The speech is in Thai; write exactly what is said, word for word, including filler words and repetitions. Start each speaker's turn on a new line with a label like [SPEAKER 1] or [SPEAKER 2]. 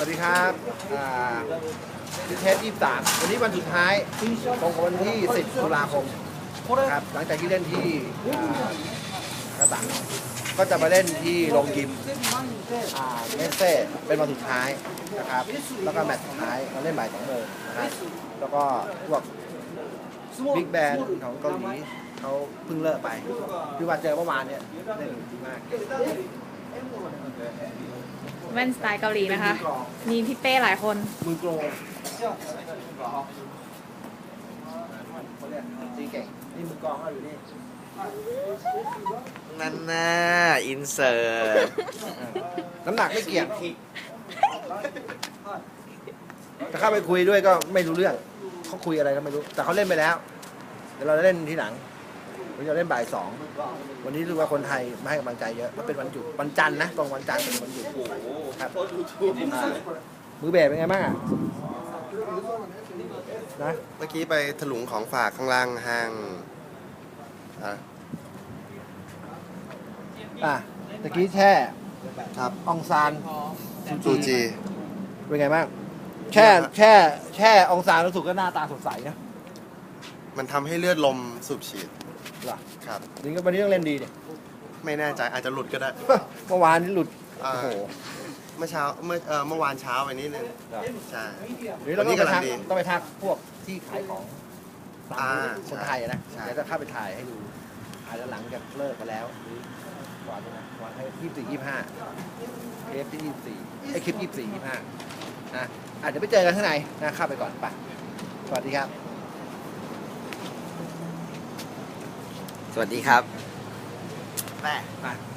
[SPEAKER 1] วัสดีครับอ่าดิเทสยี่สิบสามวันนี้วันสุดท้ายตรงกับวันที่สิบตุลาคมนะครับหลังจากที่เล่นที่กระตังก็จะมาเล่นที่โรงยิมเมสเซ่เป็นวันสุดท้ายนะครับแล้วก็แมตช์สุดท้ายเราเล่นบ่ายสองโมงนะครับแล้วก็พวกบิ๊กแบนด์ของเกาหลีเขาเพิ่งเลิกไปคือว่าเจอเมื่อวานเนี่ยเล่นดีมาก
[SPEAKER 2] แว่นสไตล์เกาหลีนะคะ มีพี่เป้หลายคน
[SPEAKER 1] มือโกลตีเก่งนี่มือกองก็อยู่นี่
[SPEAKER 3] นั่นน่ะอินเสิร์ต
[SPEAKER 1] น้ำหนักไม่เกี่ยงจะเข้าไปคุยด้วยก็ไม่รู้เรื่องเขาคุยอะไรก็ไม่รู้แต่เขาเล่นไปแล้วเดี๋ยวเราจะเล่นทีหลังเราจะเล่นบ่ายสองวันนี้รู้ว่าคนไทยมาให้กำลังใจเยอะเพราะเป็นวันหยุดวันจันทร์นะตรงวันจันทร์เป็นวันหยุดครับมือเบสเป็นไงบ้างอ่ะนะ
[SPEAKER 3] เมื่อกี้ไปถลุงของฝากข้างล่างห้างอ่ะ
[SPEAKER 1] อ่ะตะกี้แช่
[SPEAKER 3] ครับ
[SPEAKER 1] องซาน
[SPEAKER 3] ซูจี
[SPEAKER 1] เป็นไงบ้างแช่แช่แช่องซานรู้สึกก็หน้าตาสดใสนะ
[SPEAKER 3] มันทำให้เลือดลมสูบฉีด
[SPEAKER 1] เหรอ
[SPEAKER 3] ครับ
[SPEAKER 1] นี่ก็วันนี้ต้องเล่นดีเนี่ย
[SPEAKER 3] ไม่แน่ใจอาจจะหลุดก็ได้
[SPEAKER 1] เมื่อวานนี่หลุดโอ้โห
[SPEAKER 3] เมื่อเช้าเมื่อเอ่อเมื่อวานเช้าไปนิดนึงใช่
[SPEAKER 1] หรือเราต้องไปทักต้องไปทักพวกที่ขายของคนไทยนะเดี๋ยวจะเข้าไปถ่ายให้ดูอาจจะหลังจากเลิกไปแล้วหรือก่อนนะก่อนให้ยี่สิบสี่ยี่สิบห้าเทปที่ยี่สิบสี่ไอคลิปยี่สิบสี่ยี่สิบห้านะอาจจะไปเจอกันข้างในนะเข้าไปก่อนไปสวัสดีครับ
[SPEAKER 3] สวัสดีครับ
[SPEAKER 1] แม่